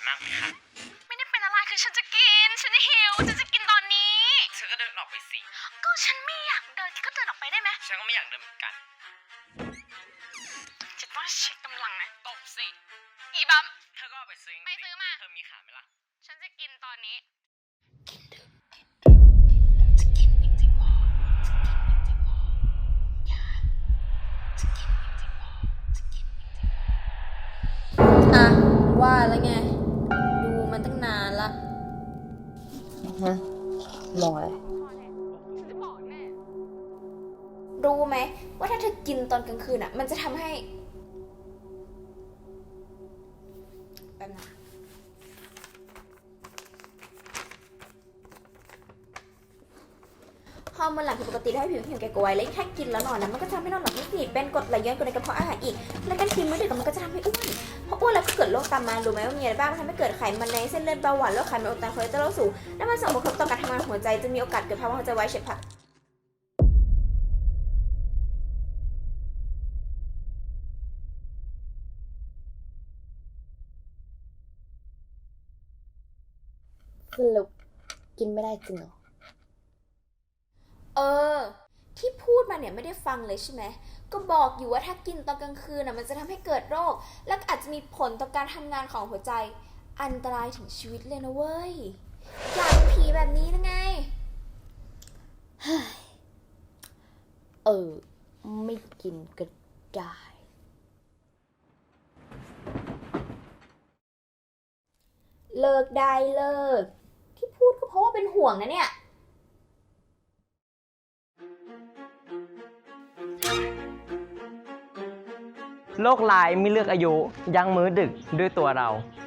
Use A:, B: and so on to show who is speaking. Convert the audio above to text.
A: มากไหมคะ
B: ไม่ได้เป็นอะไรคือฉันจะกินฉันหิวฉันจะกินตอนนี้
A: เธอก็เดินออกไปสิ
B: ก็ฉันไม่อยากเดินก็เดินออกไปได้ไหม
A: ฉันก็ไม่อยากเดินเหมือนกัน
B: จะต้องเช็คกำลังนะตบสิอีบัม
A: เธอก็เอาไปซื้อ
B: ไปซื้อมา
A: เธอมีขายไหมล่ะ
B: ฉันจะกินตอนนี้
C: อ่ะว่าแล้วไงดูมันตั้งนานละมองอะไร
B: ฉันจะบอกแม่
C: รู้ไหมว่าถ้าเธอกินตอนกลางคืนอ่ะมันจะทำให้แบบนั้นฮอร์โมนหลั่งผิดปกติทำให้ผิวแข็งแก่กว่าวัยและถ้ากินแล้วนอนนะมันก็จะทำให้นอนหลับไม่สนิทเป็นกรดไหลย้อนกรดในกระเพาะอาหารอีกและการกินมื้อดึกมันก็จะทำให้อ้วนพออ้วนแล้วก็เกิดโรคตามมารู้ไหมว่ามีอะไรบ้างทำให้เกิดไขมันในเส้นเลือดเบาหวานโรคไขมันอุดตันคอเลสเตอรอลสูงและมันส่งผลกระทบต่อการทำงานของหัวใจจะมีโอกาสเกิดภาวะหัวใจวายเฉียบพลันสรุปกินไม่ได้จริงเหรอที่พูดมาเนี่ยไม่ได้ฟังเลยใช่ไหมก็บอกอยู่ว่าถ้ากินตอนกลางคืนน่ะมันจะทำให้เกิดโรคและอาจจะมีผลต่อการทำงานของหัวใจอันตรายถึงชีวิตเลยนะเว้ยอยากเป็นผีแบบนี้นะไงไม่กินก็ได้เลิกได้เลิกที่พูดก็เพราะว่าเป็นห่วงนะเนี่ย
A: โรคร้ายไม่เลือกอายุยั้งมื้อดึกด้วยตัวเรา